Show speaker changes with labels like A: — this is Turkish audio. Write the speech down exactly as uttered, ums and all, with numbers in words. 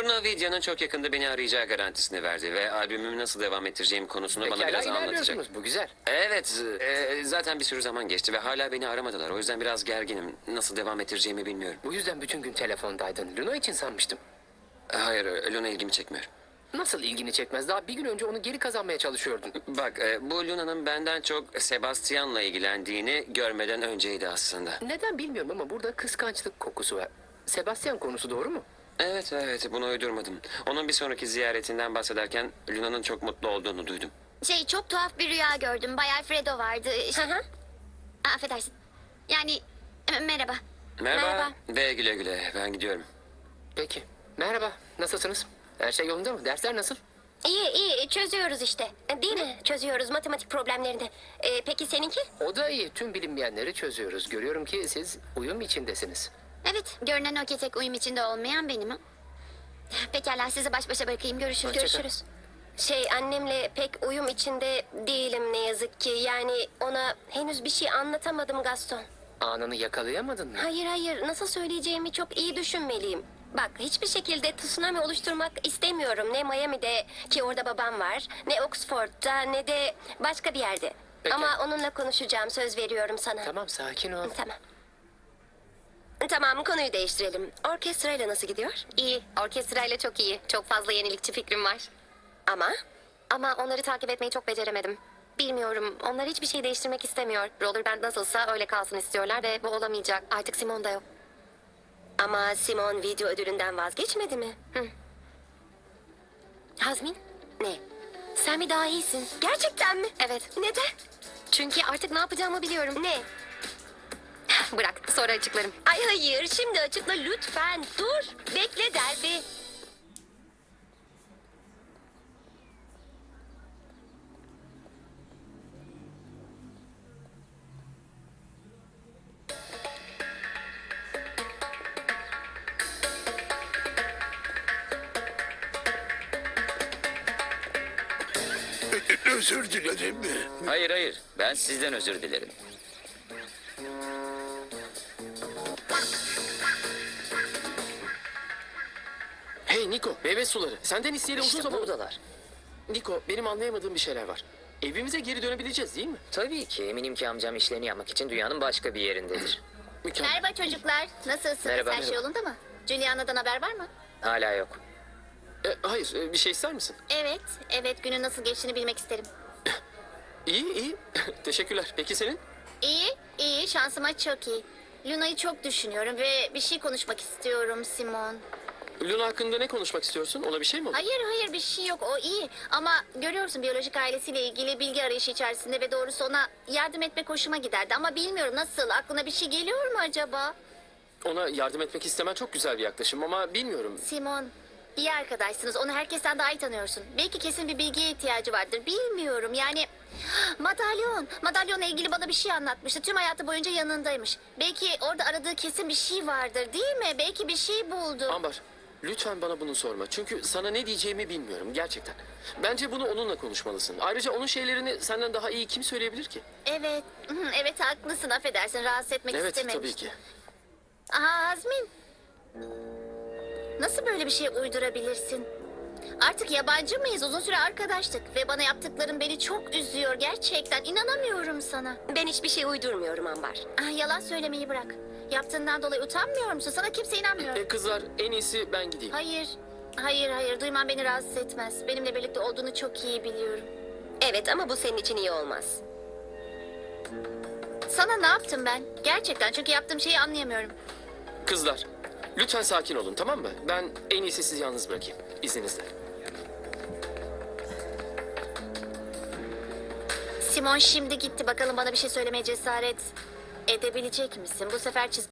A: Luna Vidya'nın çok yakında beni arayacağı garantisini verdi ve albümümü nasıl devam ettireceğim konusunu bana
B: Pekala
A: biraz anlatacak.
B: ilerliyorsunuz. Bu güzel.
A: Evet, e, zaten bir sürü zaman geçti ve hala beni aramadılar. O yüzden biraz gerginim. Nasıl devam ettireceğimi bilmiyorum.
B: Bu yüzden bütün gün telefondaydın. Luna için sanmıştım.
A: Hayır, Luna ilgimi çekmiyor.
B: Nasıl ilgini çekmez? Daha bir gün önce onu geri kazanmaya çalışıyordun.
A: Bak, e, bu Luna'nın benden çok Sebastian'la ilgilendiğini görmeden önceydi aslında.
B: Neden bilmiyorum ama burada kıskançlık kokusu var. Sebastian konusu doğru mu?
A: Evet, evet, bunu uydurmadım. Onun bir sonraki ziyaretinden bahsederken Luna'nın çok mutlu olduğunu duydum.
C: Şey çok tuhaf bir rüya gördüm. Bay Alfredo vardı. Şey... Aa, affedersin. Yani e, merhaba.
A: Merhaba,
C: Merhaba.
A: ve güle güle. Ben gidiyorum.
B: Peki. Merhaba. Nasılsınız? Her şey yolunda mı? Dersler nasıl?
D: İyi iyi çözüyoruz işte. Değil mi? Çözüyoruz matematik problemlerini. Ee, peki seninki?
B: O da iyi. Tüm bilinmeyenleri çözüyoruz. Görüyorum ki siz uyum içindesiniz.
C: Evet, görünen o ki tek uyum içinde olmayan benim. Ha? Pekala, sizi baş başa bırakayım. Görüşürüz.
B: Hoşça kal.
C: Görüşürüz.
D: Şey annemle pek uyum içinde değilim ne yazık ki. Yani ona henüz bir şey anlatamadım Gaston.
B: Anını yakalayamadın mı?
D: Hayır hayır nasıl söyleyeceğimi çok iyi düşünmeliyim. Bak hiçbir şekilde tsunami oluşturmak istemiyorum. Ne Miami'de ki orada babam var. Ne Oxford'da ne de başka bir yerde.
B: Peki.
D: Ama onunla konuşacağım söz veriyorum sana.
B: Tamam sakin ol.
D: Tamam. Tamam konuyu değiştirelim. Orkestrayla nasıl gidiyor?
C: İyi, orkestrayla çok iyi. Çok fazla yenilikçi fikrim var.
D: Ama
C: Ama onları takip etmeyi çok beceremedim. Bilmiyorum, onlar hiçbir şey değiştirmek istemiyor. Roller Band nasılsa öyle kalsın istiyorlar ve bu olamayacak. Artık Simon da yok.
D: ama Simon video ödülünden vazgeçmedi mi?
C: Hı.
D: Hazmin? Ne?
C: Sen mi daha iyisin?
D: Gerçekten mi?
C: Evet.
D: Neden?
C: Çünkü artık ne yapacağımı biliyorum.
D: Ne?
C: Bırak, sonra açıklarım.
D: Ay hayır şimdi açıkla lütfen. Dur. Bekle Derby.
E: Özür dilerim.
F: Hayır hayır, ben sizden özür dilerim.
B: Hey Niko, meyve suları. Senden isteyeli uzun
F: İşte
B: zaman...
F: buradalar.
B: Niko, benim anlayamadığım bir şeyler var. Evimize geri dönebileceğiz değil mi?
F: Tabii ki, eminim ki amcam işlerini yapmak için dünyanın başka bir yerindedir.
B: Mükemmel.
C: Merhaba çocuklar. Nasılsınız?
F: Merhaba.
C: Her şey yolunda mı? Juliana'dan haber var mı?
F: Hala yok.
B: E, hayır, e, bir şey ister misin?
C: Evet, evet. Günün nasıl geçtiğini bilmek isterim.
B: İyi, iyi. Teşekkürler. Peki senin?
C: İyi, iyi. Şansıma çok iyi. Luna'yı çok düşünüyorum ve bir şey konuşmak istiyorum Simon.
B: Luna hakkında ne konuşmak istiyorsun? Ona bir şey mi oldu?
C: Hayır hayır bir şey yok, o iyi. Ama görüyorsun biyolojik ailesiyle ilgili bilgi arayışı içerisinde ve doğrusu ona yardım etmek hoşuma giderdi. Ama bilmiyorum nasıl, aklına bir şey geliyor mu acaba?
B: Ona yardım etmek istemen çok güzel bir yaklaşım ama bilmiyorum.
C: Simon, iyi arkadaşsınız. Onu herkesten daha iyi tanıyorsun. Belki kesin bir bilgiye ihtiyacı vardır. Bilmiyorum yani... Madalyon. Madalyonla ilgili bana bir şey anlatmıştı. Tüm hayatı boyunca yanındaymış. Belki orada aradığı kesin bir şey vardır değil mi? Belki bir şey buldu.
B: Ambar, lütfen bana bunu sorma. Çünkü sana ne diyeceğimi bilmiyorum gerçekten. Bence bunu onunla konuşmalısın. Ayrıca onun şeylerini senden daha iyi kim söyleyebilir ki?
C: Evet, hı, evet haklısın. Affedersin, rahatsız etmek
B: Evet,
C: istememiştim.
B: tabii ki.
C: Aha Azmin. Nasıl böyle bir şey uydurabilirsin? Artık yabancı mıyız? Uzun süre arkadaştık ve bana yaptıkların beni çok üzüyor. Gerçekten inanamıyorum sana.
D: Ben hiçbir şey uydurmuyorum Ambar.
C: Ah, yalan söylemeyi bırak. Yaptığından dolayı utanmıyor musun? Sana kimse inanmıyor.
B: E, kızlar, en iyisi ben gideyim.
C: Hayır, hayır, hayır. Duyman beni rahatsız etmez. Benimle birlikte olduğunu çok iyi biliyorum.
D: Evet ama bu senin için iyi olmaz.
C: Sana ne yaptım ben? Gerçekten çünkü yaptığım şeyi anlayamıyorum.
B: Kızlar, lütfen sakin olun tamam mı? Ben en iyisi sizi yalnız bırakayım. İzninizle.
C: Simon şimdi gitti. Bakalım bana bir şey söylemeye cesaret edebilecek misin? Bu sefer çiz...